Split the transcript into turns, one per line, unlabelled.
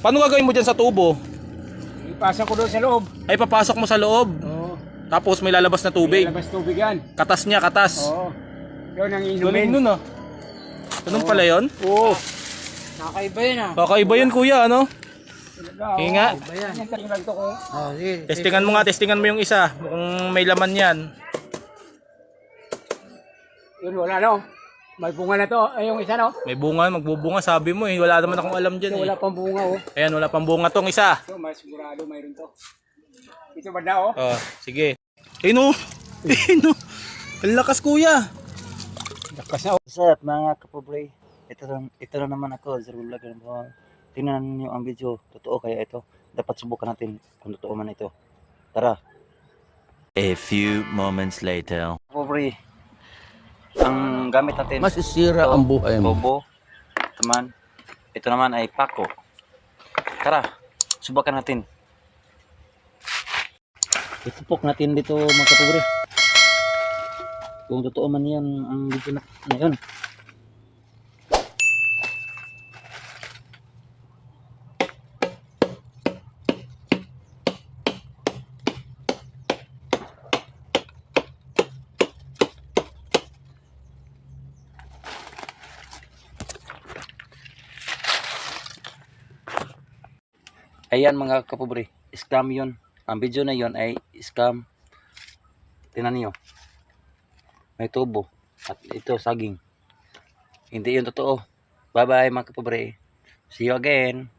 Paano gagawin mo dyan sa tubo?
Ipasa ko doon sa loob.
Ay, papasok mo sa loob.
Oo.
Tapos may lalabas na tubig.
Labas tubig yan.
Katas niya, katas.
Oo. Yun ang
Galing
inumin.
nun ah. Ganun pala yun?
Oo.
Nakaiba yan ah.
Kakaiba yun kuya, ano? Hinga.
Yan lang to ko.
Oh, sige.
Testingan mo nga, testingan mo yung isa. Kung may laman yan.
Yun wala no. May bunga na to. Ay yung isa no.
May bunga, magbubunga. Sabi mo eh. Wala naman akong alam dyan
Ito
eh.
wala pang bunga oh.
Ayan, wala pang bunga tong isa.
Ito mas sigurado mayroon to. Ito ba na oh?
Oh, sige. Ayun oh. Ayun oh. Ang lakas kuya.
Lakas na oh.
What's up mga kapobre? Ito na naman ako, Zero Vlogger. Tingnan niyo ang video, totoo kaya ito? Dapat subukan natin kung totoo man ito. Tara.
A few moments later.
Kapobre, ang gamit natin,
Masisira ang buhay mo.
bobo, ito naman ay pako. Tara, subukan natin. Itupok natin dito mga kapobre. Kung totoo man yan ang video na yun. Ayan mga kapobre, scam yun. Ang video na yun ay scam. Tingnan niyo. May tubo. At ito saging. Hindi yun totoo. Bye bye mga kapobre. See you again.